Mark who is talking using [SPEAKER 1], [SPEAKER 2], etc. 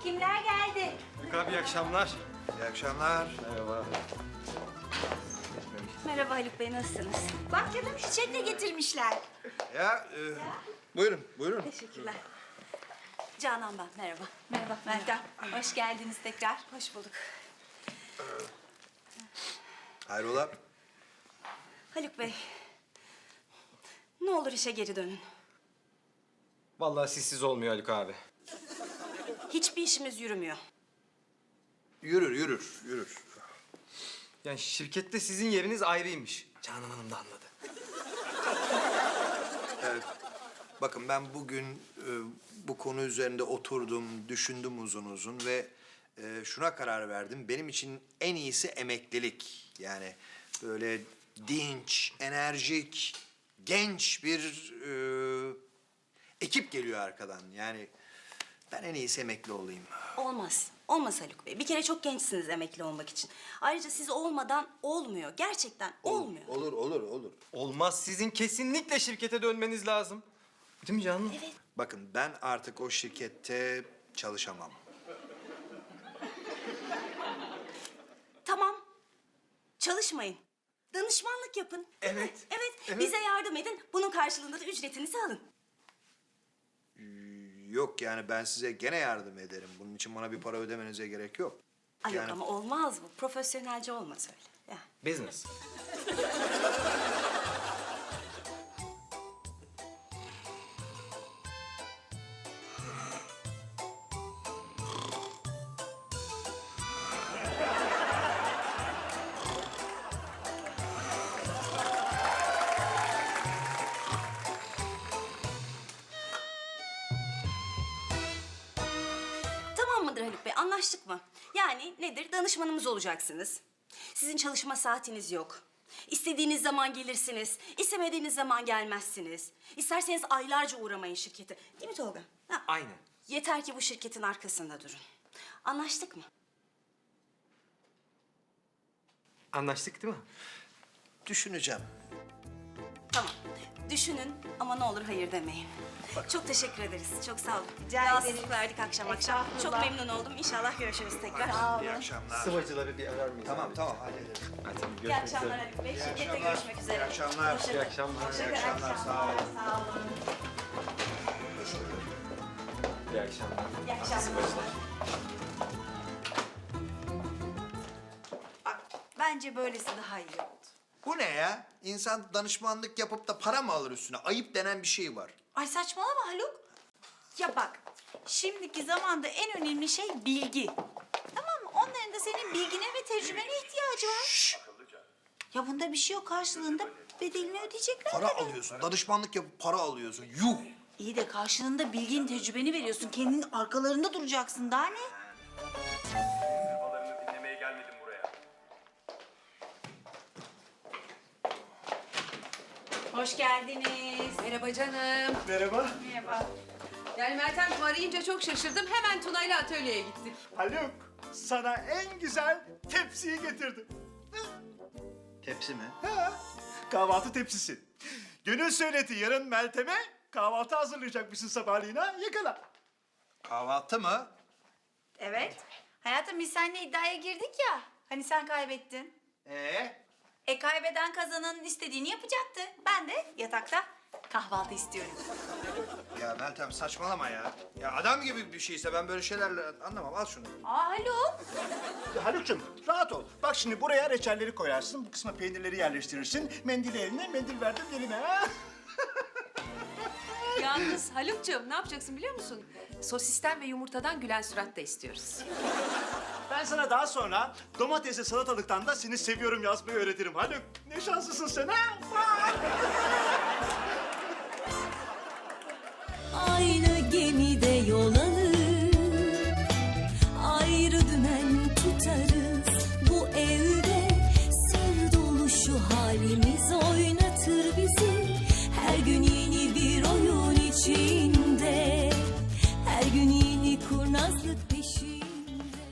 [SPEAKER 1] Kimler geldi?
[SPEAKER 2] Haluk abi iyi akşamlar.
[SPEAKER 3] İyi akşamlar.
[SPEAKER 2] Merhaba.
[SPEAKER 1] Merhaba Haluk Bey, nasılsınız? Bak canım, çiçek de getirmişler.
[SPEAKER 3] Buyurun, buyurun.
[SPEAKER 1] Teşekkürler. Canan ben, merhaba. Merhaba Meltem. Hoş geldiniz tekrar. Hoş bulduk.
[SPEAKER 3] Hayrola?
[SPEAKER 1] Haluk Bey, ne olur işe geri dönün.
[SPEAKER 2] Vallahi sizsiz olmuyor Haluk abi.
[SPEAKER 1] Hiçbir işimiz yürümüyor.
[SPEAKER 3] Yürür.
[SPEAKER 2] Yani şirkette sizin yeriniz ayrıymış. Canan Hanım da anladı.
[SPEAKER 3] Bakın ben bugün bu konu üzerinde oturdum, düşündüm uzun uzun ve şuna karar verdim. Benim için en iyisi emeklilik. Yani böyle dinç, enerjik, genç bir ekip geliyor arkadan. Yani ben en iyisi emekli olayım.
[SPEAKER 1] Olmaz. Olmaz Haluk Bey. Bir kere çok gençsiniz emekli olmak için. Ayrıca siz olmadan olmuyor. Gerçekten olmuyor.
[SPEAKER 3] Olur.
[SPEAKER 2] Olmaz, sizin kesinlikle şirkete dönmeniz lazım. Değil mi Canan?
[SPEAKER 1] Evet.
[SPEAKER 3] Bakın ben artık o şirkette çalışamam.
[SPEAKER 1] Tamam. Çalışmayın. Danışmanlık yapın. Değil mi?
[SPEAKER 2] Evet,
[SPEAKER 1] Evet.
[SPEAKER 2] evet.
[SPEAKER 1] Bize yardım edin. Bunun karşılığında da ücretinizi alın.
[SPEAKER 3] Yok yani ben size gene yardım ederim. Bunun için bana bir para ödemenize gerek yok.
[SPEAKER 1] Ay
[SPEAKER 3] Yani-
[SPEAKER 1] yok ama olmaz bu. Profesyonelce olmaz öyle. Ya.
[SPEAKER 2] Business.
[SPEAKER 1] Tamam mıdır Haluk Bey? Anlaştık mı? Yani nedir? Danışmanımız olacaksınız. Sizin çalışma saatiniz yok. İstediğiniz zaman gelirsiniz. İstemediğiniz zaman gelmezsiniz. İsterseniz aylarca uğramayın şirkete. Değil mi Tolga? Ha.
[SPEAKER 2] Aynen.
[SPEAKER 1] Yeter ki bu şirketin arkasında durun. Anlaştık mı?
[SPEAKER 2] Anlaştık değil mi?
[SPEAKER 3] Düşüneceğim.
[SPEAKER 1] Tamam. Düşünün ama ne olur hayır demeyin. Çok teşekkür ederiz. Çok sağ olun.
[SPEAKER 4] Rica
[SPEAKER 1] Rahatsızlık
[SPEAKER 4] ederiz.
[SPEAKER 1] verdik akşam. Çok
[SPEAKER 4] Estağfurullah.
[SPEAKER 1] memnun oldum. İnşallah görüşürüz tekrar.
[SPEAKER 3] İyi akşamlar.
[SPEAKER 2] Sıvacıları bir arar mıyız?
[SPEAKER 3] Tamam
[SPEAKER 2] abi?
[SPEAKER 3] tamam hallederiz.
[SPEAKER 2] Hadi
[SPEAKER 1] İyi
[SPEAKER 2] görüşmek
[SPEAKER 1] akşamlar
[SPEAKER 2] üzere.
[SPEAKER 1] Haluk Bey. Şirkette
[SPEAKER 3] akşamlar.
[SPEAKER 1] görüşmek üzere.
[SPEAKER 3] İyi akşamlar.
[SPEAKER 1] Hoşça
[SPEAKER 2] İyi
[SPEAKER 1] kalın.
[SPEAKER 2] akşamlar.
[SPEAKER 3] İyi akşamlar. Sağ olun.
[SPEAKER 1] Sağ olun.
[SPEAKER 2] İyi akşamlar.
[SPEAKER 1] İyi akşamlar.
[SPEAKER 4] Bence böylesi daha iyi oldu.
[SPEAKER 3] Bu ne ya? İnsan danışmanlık yapıp da para mı alır üstüne? Ayıp denen bir şey var.
[SPEAKER 4] Ay saçmalama Haluk. Ya bak, şimdiki zamanda en önemli şey bilgi. Tamam mı? Onların da senin bilgine ve tecrübene ihtiyacı var. Ya bunda bir şey yok. Karşılığında bedelini ödeyecekler.
[SPEAKER 3] Para alıyorsun. Danışmanlık yapıp para alıyorsun. Yuh!
[SPEAKER 4] İyi de karşılığında bilgin, tecrübeni veriyorsun. Kendinin arkalarında duracaksın. Daha ne?
[SPEAKER 5] Babalarını dinlemeye gelmedim buraya.
[SPEAKER 1] Hoş geldiniz.
[SPEAKER 6] Merhaba canım.
[SPEAKER 7] Merhaba.
[SPEAKER 6] Yani Meltem arayınca çok şaşırdım. Hemen Tuna'yla atölyeye gittik.
[SPEAKER 7] Haluk, sana en güzel tepsiyi getirdim.
[SPEAKER 3] Tepsi mi?
[SPEAKER 7] Ha, kahvaltı tepsisi. Gönül söyledi yarın Meltem'e kahvaltı hazırlayacakmışsın sabahleyin ha. Yakala.
[SPEAKER 3] Kahvaltı mı?
[SPEAKER 4] Evet. Hayatım biz seninle iddiaya girdik ya. Hani sen kaybettin. Kaybeden kazananın istediğini yapacaktı. Ben de yatakta kahvaltı istiyorum.
[SPEAKER 3] Ya Meltem saçmalama ya. Ya adam gibi bir şeyse ben böyle şeylerle anlamam. Al şunu.
[SPEAKER 4] Aa Haluk.
[SPEAKER 7] Haluk'cum rahat ol. Bak şimdi buraya reçelleri koyarsın. Bu kısma peynirleri yerleştirirsin. Mendili eline, mendil verdim eline ha.
[SPEAKER 6] Yalnız Haluk'cuğum ne yapacaksın biliyor musun? Sosisten ve yumurtadan gülen surat da istiyoruz.
[SPEAKER 7] Ben sana daha sonra domatesli salatalıktan da seni seviyorum yazmayı öğretirim Haluk. Ne şanslısın sen ha.
[SPEAKER 8] Aynı gemide yol alır, ayrı dümen tutarız. Bu evde sır dolu şu halimiz.